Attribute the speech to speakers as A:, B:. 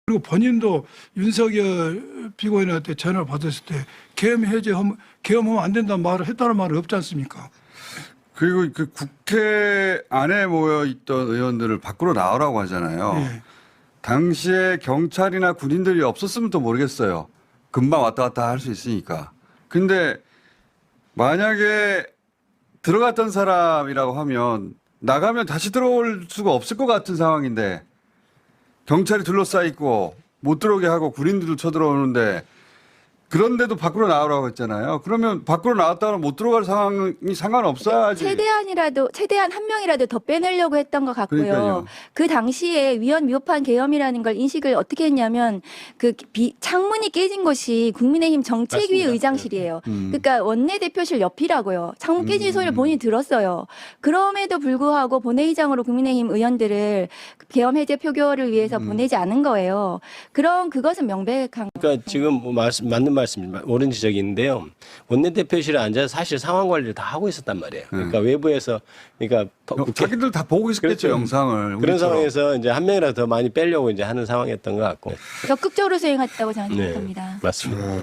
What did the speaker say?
A: 그리고 본인도 윤석열 피고인한테 전화를 받았을 때 계엄하면 안 된다는 말을 했다는 말은 없지 않습니까?
B: 그리고 그 국회 안에 모여 있던 의원들을 밖으로 나오라고 하잖아요.
A: 예.
B: 당시에 경찰이나 군인들이 없었으면 또 모르겠어요. 금방 왔다 갔다 할 수 있으니까. 근데 만약에 들어갔던 사람이라고 하면 나가면 다시 들어올 수가 없을 것 같은 상황인데 경찰이 둘러싸 있고 못 들어오게 하고 군인들도 쳐들어오는데 그런데도 밖으로 나오라고 했잖아요. 그러면 밖으로 나왔다가 못 들어갈 상황이 상관없어야지.
C: 최대한 한 명이라도 더 빼내려고 했던 것 같고요.
B: 그러니까요.
C: 그 당시에 위헌 계엄이라는 걸 인식을 어떻게 했냐면 창문이 깨진 곳이 국민의힘 정책위
D: 맞습니다.
C: 의장실이에요. 그러니까 원내대표실 옆이라고요. 창문 깨진 소리를 본인이 들었어요. 그럼에도 불구하고 본회의장으로 국민의힘 의원들을 계엄 해제 표결을 위해서 보내지 않은 거예요. 그것은 명백한.
D: 그러니까 지금 뭐 맞는 말씀입니다. 옳은 지적인데요. 원내대표실에 앉아서 사실 상황 관리를 다 하고 있었단 말이에요. 그러니까 외부에서 그러니까
B: 자기들 다 보고 있었겠죠,
D: 그렇죠.
B: 영상을.
D: 그런
B: 우리처럼.
D: 상황에서 이제 한 명이라도 더 많이 빼려고 이제 하는 상황이었던 것 같고.
C: 적극적으로 수행했다고 저는
D: 네,
C: 생각합니다.
D: 맞습니다.